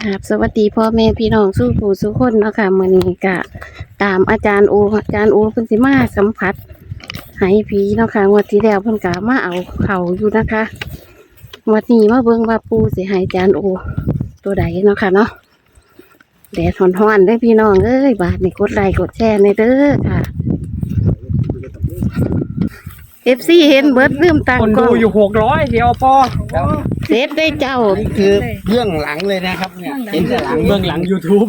ครับสวัสดีพ่อแม่พี่น้องสู้ผู้สู้คนเนาะค่ะมื้อนี้ก็ตามอาจารย์โอเพิ่นสิมาสัมผัสให้ผีเนาะค่ะงวดที่แล้วเพิ่นก็มาเอาเขาอยู่นะคะงวดนี้มาเบิ่งว่าปู่สิให้อาจารย์โอตัวใดเนาะค่ะเนาะแดดร้อนๆเด้อพี่น้องเอ้ยบาดนี่กดไลค์กดแชร์ในเด้อค่ะ FC เห็นเบิดลืมตั้งคนกล้ดูองอยู่600เดียวพอเสร็จได้เจ้านี่คือเบื้องหลังเลยนะครับเนี่ยเห็นแต่หลังเบื้องหลัง YouTube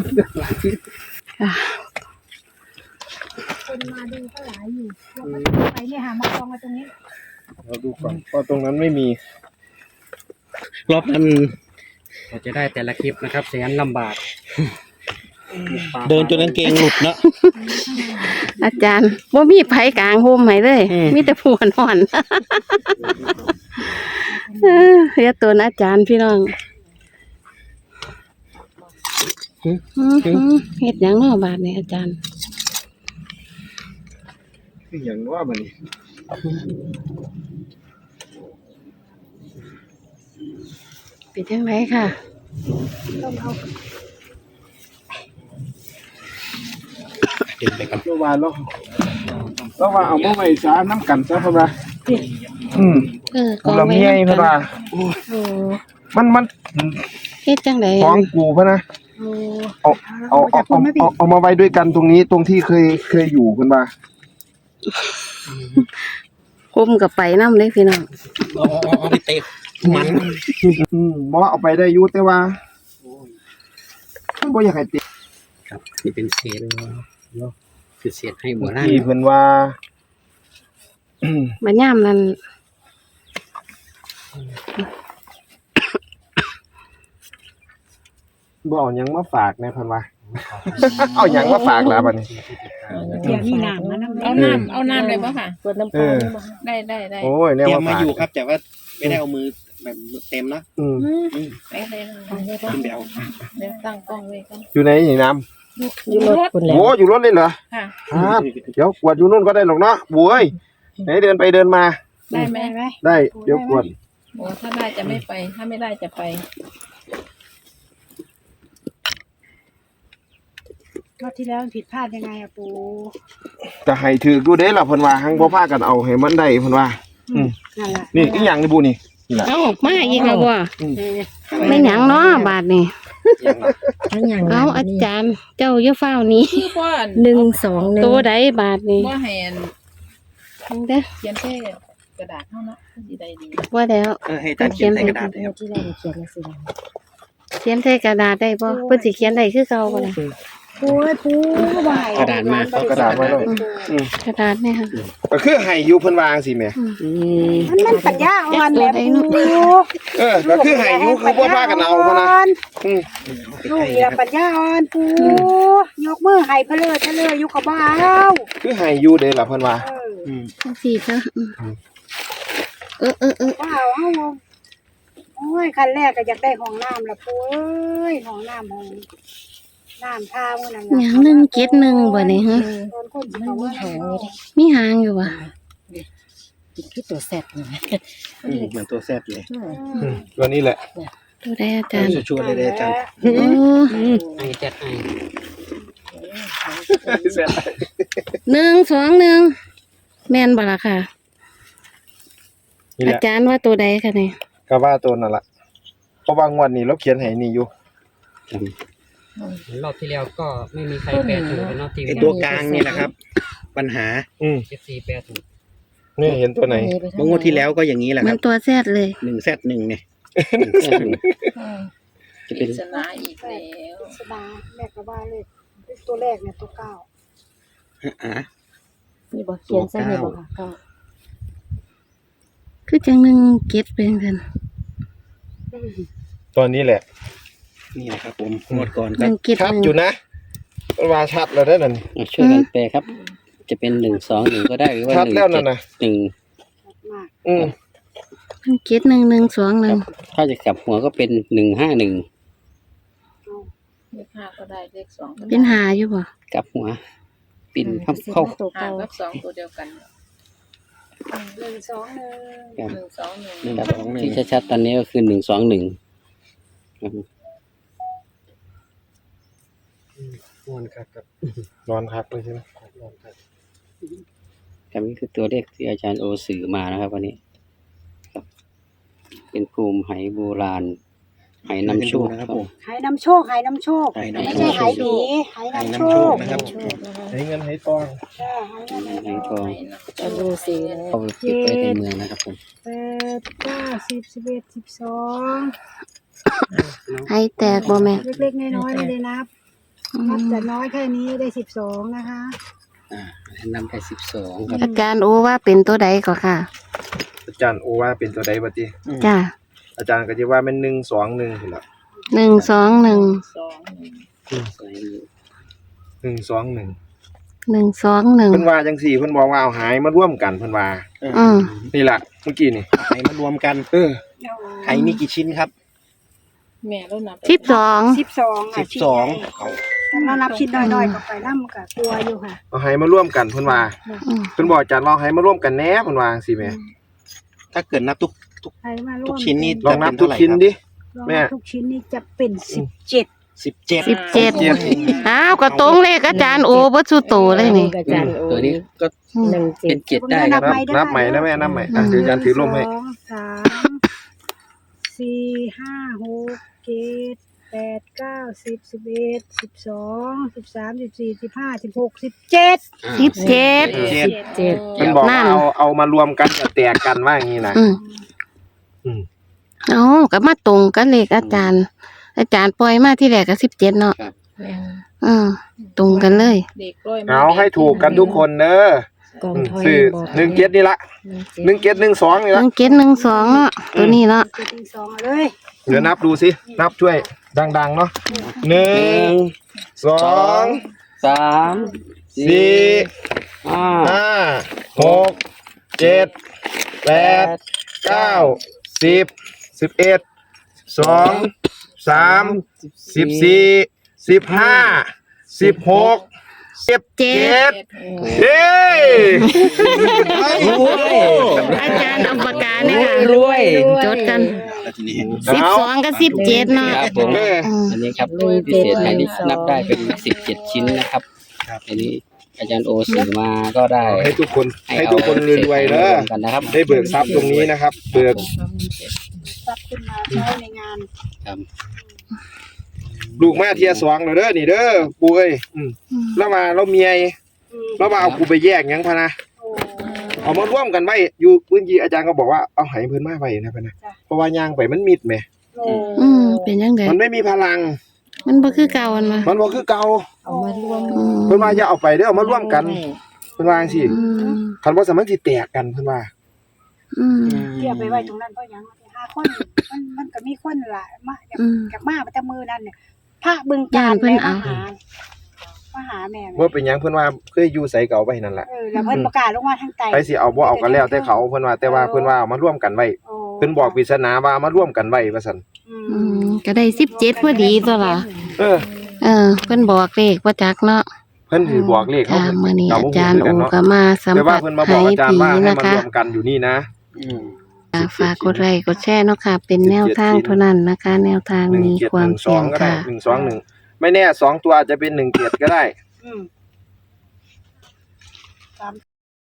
คนมาดูก็หลายอยู่ไปเนี่ยหามากองมาตรงนี้เราดูก่อนเพราะตรงนั้นไม่มีรอบนั้นเราจะได้แต่ละคลิปนะครับแสนลำบากเดินจนกางเกงหลุดเนาะอาจารย์บ่มีไผกลางโฮมให้เลย มีแต่ผู้นอนเรียกตัวอาจารย์พี่น้องเฮ็ดหยังเนาะบาดนี้อาจารย์คืออย่างว่ามันนี่เป็นจังไดค่ะเดินไปกันเมื่อวานเราว่าเอามาไว้ซาน้ำกันซะเพราะว่ากูละเมียเพราะว่าโอ้มันเฮ็ดจังไดของกูเพราะนะเอามาไว้ด้วยกันตรงนี้ตรงที่เคยอยู่เพิ่นว่าคุมกับไปนำเลยพี่น้องเอาไปเตะมันบ่เอาไปได้อยู่แต่ว่าบ่อยากให้ติดครับนี่เป็นเศษคือเศษให้โบราณที่เพิ่นว่าบัดยามนั้นบ่เอาหยังมาฝากแน่เพิ่นว่า เอาหยังมาฝากล่ะบัดนี้เดี๋ยวมีน้ำมาน้ำเอาน้ำเลยป่ะค่ะเปิดน้ำปลาได้ได้โอ้ยแนวเตรียมมามาฝากอยู่ครับแต่ว่าไม่ได้เอามือแบบเต็มนะได้เลยขึ้นไปเอาเดี๋ยวตั้งกล้องไว้ก่อนอยู่ไหนนี่น้ำอยู่รถโอ้อยู่รถเลยเหรอค่ะครับเดี๋ยวกวดอยู่นู่นก็ได้หรอกเนาะบุ้ยไหนเดินไปเดินมาได้ไหมได้เดี๋ยวกวดโอ้ถ้าได้จะไม่ไป ถ้าไม่ได้จะไปรอบที่แล้วผิดพลาดยังไงอะปูจะให้ถือดูเด้ล่ะเพิ่นว่าหังบ่พากันเอาให้มันได้เพิ่นว่านั่นแหละนี่อีหยังนี่บุนี่นี่ล่ะเอาออกมาอีกแล้วบ่ไม่หยังเนาะบาดนี้ทั้งอย่างเอาอาจารย์เจ้าอย่าฟ้าวหนี้คือว่า 121 ตัวใดบาดนี้ว่าแหนเด้อเขียนแค่กระดาษเท่านั้นดีได้ดีว่าแล้วให้ท่านเขียนใส่กระดาษเลยครับที่เราเขียนมาสิเขียนใส่กระดาษได้บ่เพิ่นสิเขียนได้คือเก่าบ่ล่ะปูไหวกระดาษมาเอากระดาษมาเลยกระดาษเนี่ยค่ะก็คือให้อยู่เพิ่นวาจังซี่แหมมันปัญญาอ่อนแบบปูก็คือให้อยู่คือบ่พากันเอาเพิ่นนะลูกอย่าปัญญาอ่อนปูยกมือให้เพลออยู่กับบ้าคือให้อยู่เด้ล่ะเพิ่นว่าจังซี่จ้ะว้าวโอ้ยคันแรกก็อยากได้ห้องน้ำละปูเอ้ยห้องน้ำห้องน้ำท่ามื้อนั้นหยัง171บ่นี่ฮะตอนคนเขาว่าหางนี่มีหางอยู่บ่คือตัวแซ่บนี่เหมือนตัวแซดเลยตัวนี้แหละตัวใดอาจารย์ชัวร์ๆเลยอาจารย์โอ้ไอ้แจ็คไอ้ 121แม่นบ่ล่ะค่ะนี่แหอาละจารย์ว่าตัวใดคะเนี่ยก็ว่าตัวนั่นล่ะเพราะว่างวดนี้เราเขียนให้นี่อยู่รอบที่แล้วก็ไม่มีใครแปลถูกเป็นรอบที่ไอ้ตัวกลางนี่แหละครับ ปัญหา FC แปลถูกนี่เห็นตัวไหนเมื่องวดที่แล้วก็อย่างนี้แหละมัคน รับตัวแซดเลย 1Z1เนี่ยจะปเป็รินศนาอีกแล้วสดาแม่ก็ว่าเลยตัวแรกเนี่ยตัวเก้านี่บอกเขียนใส่นี่บอกค่ะเก้าคือจังหนึ่งเก็ดเป็นกันตัวนี้แหละนี่นะครับผมงวดก่อนหก็นึ่งเก็ดชัดหนึ่งอยู่นะมันว่าชัดแล้วได้อนั่นช่วยกันแปลครับ จะเป็น121ก็ได้หรือว่าชัดแล้วนั่นน่ะ 1 มากอืมหนึ่งเก็ด121 ถ้าจะกลับหัวก็เป็น151 เลขห้าก็ได้เลขสองก็เป็นหาอยู่บ่กลับหัว ปิ่นเข้าตัวห้าเก้ากับสองตัวเดียวกัน 121 ครับ 121 นี่ครับที่ชัดๆตอนนี้ก็คือ121ครับนอนครับกับนอนคักเลยใช่ไหมนอนครับครับนี่คือตัวเลขที่อาจารย์โอสื่อมานะครับวันนี้ครับ เป็นภูมิไหโบราณไหนำโชคครับผมหายน้ำโชคหายน้ำโชคหายน้ำโชคไม่ใช่หายผีหายน้ำโชคนะครับให้เงินให้ทองจ้าหายน้ำไหทองจะดูสิเอาไปเก็บไว้ในเมืองนะครับผม 8 9 10 11 12 ให้แตกบ่แม่เล็กๆน้อยๆไม่ได้นับ นับแต่น้อยแค่นี้ได้12นะคะให้นำแค่12ครับอาจารย์โอว่าเป็นตัวใดก็ค่ะอาจารย์โอว่าเป็นตัวใดบัดนี้จ้าอาจารย์ก็จะว่าเป็น121พุ่นล่ะ 121 สองหนึ่ง 121 121 เพิ่นว่าจังซี่เพิ่นบอกว่าเอาหายมาร่วมกันเพิ่นว่าอืมนี่ล่ะเมื่อกี้นี่ไหมารวมกัน ไหมีกี่ชิ้นครับแม่แล้วนับ 12 12อ่ะ ถ้าเรานับชิ้นน้อยๆก็ไปน้ำกับตัวอยู่ค่ะเอาหายมาร่วมกันเพิ่นว่าอืมเพิ่นบอกอาจารย์ลองหายมาร่วมกันแหน่เพิ่นว่าจังซี่แหมถ้าเกิดนับทุกใครมาร่วมทุกชิ้นนี่ลองนับทุกชิ้นดิลองแม่นับทุกชิ้นนี่จะเป็น17 17อ้าวก็ตรงเลขอาจารย์โอบ่สุโตเลยนี่ตัวนี้ก็อืมเป็น7ได้ครับนับใหม่นะแม่นับใหม่อ่ะเดี๋ยวอาจารย์ถือร่มให้ 1 2 3 4 5 6 7 8 9 10 11 12 13 14 15 16 17 17 เพิ่นบอกว่าเอามารวมกันจะแตกกันว่าอย่างนี้นะอืมอืมเอาก็มาตรงกันเลขอาจารย์ อาจารย์ปล่อยมาที่แรกก็17เนาะอืมตรงกันเลยเด็กร้อยมาเอาให้ถูกกันทุกคนเด้อสื่อ17นี่ละ1712นี่ละ 1712เนาะตัวนี้เนาะ 12เลยเดี๋ยวนับดูสินับช่วยดังๆเนาะ1 2 3 4 5 5 6 7 8 9 10 11 12 13 14 15 16 17เฮ้ยอาจารย์เอาปากกาเนี่ยค่ะรวยจดกัน12กับ17เนาะครับผมอืมอันนี้ครับพิเศษอันนี้นับได้เป็น17ชิ้นนะครับอันนี้อาจารย์โอสื่อมาก็ได้ให้ทุกคนรวยๆเด้อกันนะครับได้เบิกทรัพย์ตรงนี้นะครับ เบิกตัดขึ้นมาใช้ในงานครับลูกมาเทียสองแล้วเด้อนี่เด้อปู่เอ้ยแล้วมาเราเมียแล้วมาเอากูไปแยกหยังพะนะโอ้เอามาร่วมกันไว้อยู่พื้นที่อาจารย์ก็บอกว่าเอาให้เพิ่นมาไว้นะพะนะเพราะว่าย่างไปมันมิดแหมโอ้อืมเป็นจังได๋มันไม่มีพลังมันบ่คือเก่าอันวะมันบ่คือเก่าเอามารวมอืมเพิ่นว่าอย่าเอาไปเด้อเอามาร่วมกันเพิ่นว่าจังซี่อืมคันบ่สามารถสิแตกกันเพิ่นว่าอืมเทียบไปไว้ตรงนั้นเพราะหยัง5คนมันก็มีคนล่ะมาจากมาแต่มือนั่นเนี่ยพระบึงกาฬมาหาแม่บ่เป็นหยังเพิ่นว่าเคยอยู่ไสเก่าไว้นั่นแหละแล้วเพิ่นประกาศลงมาทางใต้ไปสิเอาบ่เอาก็แล้วแต่เขาเพิ่นว่าแต่ว่าเพิ่นว่าเอามาร่วมกันไว้เพิ่นบอกปริศนาว่าเอามาร่วมกันไว้ว่าซั่นอืมก็ได้17พอดีตัวล่ะเออเพิ่นบอกเลขบ่จักเนาะเพิ่นสิบอกเลขเขาจ้ามื้อนี้เรอาบ่จารย์รู้โอกันเนาะก็มาสัมแต่ว่าผัสเพิ่นมาบอกให้อาจารย์ผีว่าให้นะมันคะรวมกันอยู่นี่นะฝากกดไลค์กดแชร์เนาะค่ะ เป็นแนวทางเท่านั้นนะคะ แนวทางมีความเสี่ยง 1712ก็ได้ค่ะ 121ไม่แน่2ตัวอาจจะเป็น17ก็ได้อืม